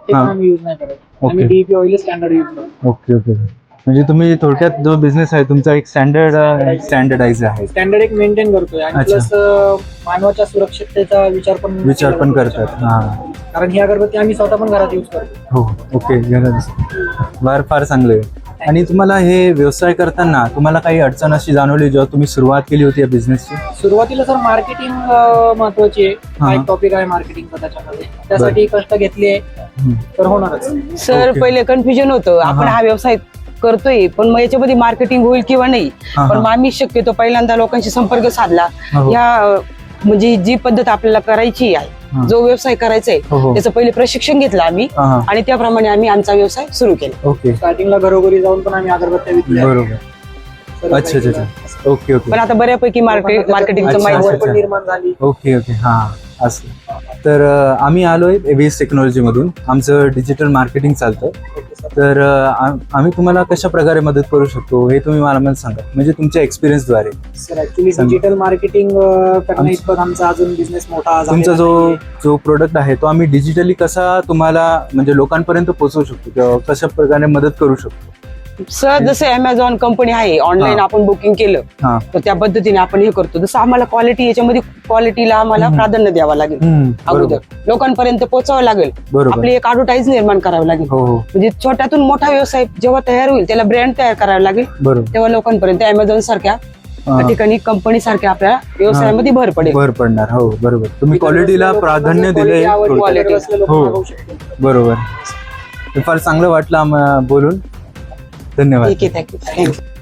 ते पण आम्ही यूज नाही करत. आम्ही डीपी ऑइल स्टँडर्ड यूज करतो. Okay okay. म्हणजे तुम्ही थोडक्यात जो बिझनेस आहे तुमचा एक स्टँडर्डाइज आहे. स्टँडर्ड एक मेंटेन करतोय आणि अच्छा. प्लस मानवाच्या सुरक्षिततेचा विचार पण करतात. हा. कारण ही अगरबत्ती आम्ही स्वतः पण घरात यूज करतो. हो. ओके. फार चांगलं आहे. आणि तुम्हाला हे व्यवसाय करताना तुम्हाला काही अडचण अशी जाणवली जेव्हा तुम्ही सुरुवात केली होती या बिझनेसची? सुरुवातीला सर मार्केटिंग महत्वाची आहे. हा एक टॉपिक आहे मार्केटिंगचा त्याच्यामध्ये. त्यासाठी कष्ट घेतले तर होणारच. सर पहिले कन्फ्युजन होतं, आपण हा व्यवसाय करतोय पण मग याच्यामध्ये मार्केटिंग होईल किंवा नाही. पण मग आम्ही शक्यतो पहिल्यांदा लोकांशी संपर्क साधला. या म्हणजे जी पद्धत आपल्याला करायची आहे, जो व्यवसाय करायचा आहे त्याचं पहिले प्रशिक्षण घेतलं आम्ही आणि त्याप्रमाणे आम्ही आमचा व्यवसाय सुरू केला. ओके. स्टार्टिंगला घरोघरी जाऊन पण आम्ही अगरबत्त्या विकल्या. बरोबर. अच्छा. ओके. पण आता बऱ्यापैकी मार्केटिंगचं माहिती निर्माण झाली. ओके. हा असं. तर आम्ही आलोय एबीएस टेक्नॉलॉजी मधून. आमचं डिजिटल मार्केटिंग चालतं. तर आम्ही तुम्हाला कशा प्रकारे मदत करू शकतो हे तुम्ही मला सांगा, म्हणजे तुमच्या एक्सपिरियन्स द्वारे. सर ऍक्च्युली डिजिटल मार्केटिंग करण्या इतपत आमचा अजून बिझनेस मोठा तुमचा जो प्रोडक्ट आहे तो आम्ही डिजिटली कसा तुम्हाला म्हणजे लोकांपर्यंत पोहोचवू शकतो किंवा कशा प्रकारे मदत करू शकतो? सर जसं अमेझॉन कंपनी आहे, ऑनलाईन आपण बुकिंग केलं तर त्या पद्धतीने आपण हे करतो. जसं आम्हाला क्वालिटी, याच्यामध्ये क्वालिटीला आम्हाला प्राधान्य द्यावं लागेल. अगोदर लोकांपर्यंत पोहोचावं लागेल. आपली एक ऍडव्हर्टाईज निर्माण करावी लागेल. म्हणजे छोट्यातून मोठा व्यवसाय जेव्हा तयार होईल त्याला ब्रँड तयार करावा लागेल. तेव्हा लोकांपर्यंत अमेझॉन सारख्या ठिकाणी, कंपनी सारख्या आपल्या व्यवसायामध्ये भर पडणार. हो बरोबर. तुम्ही क्वालिटीला प्राधान्य दिले. हो बरोबर. फार चांगलं वाटलं बोलून. धन्यवाद. ठीक आहे. थँक्यू.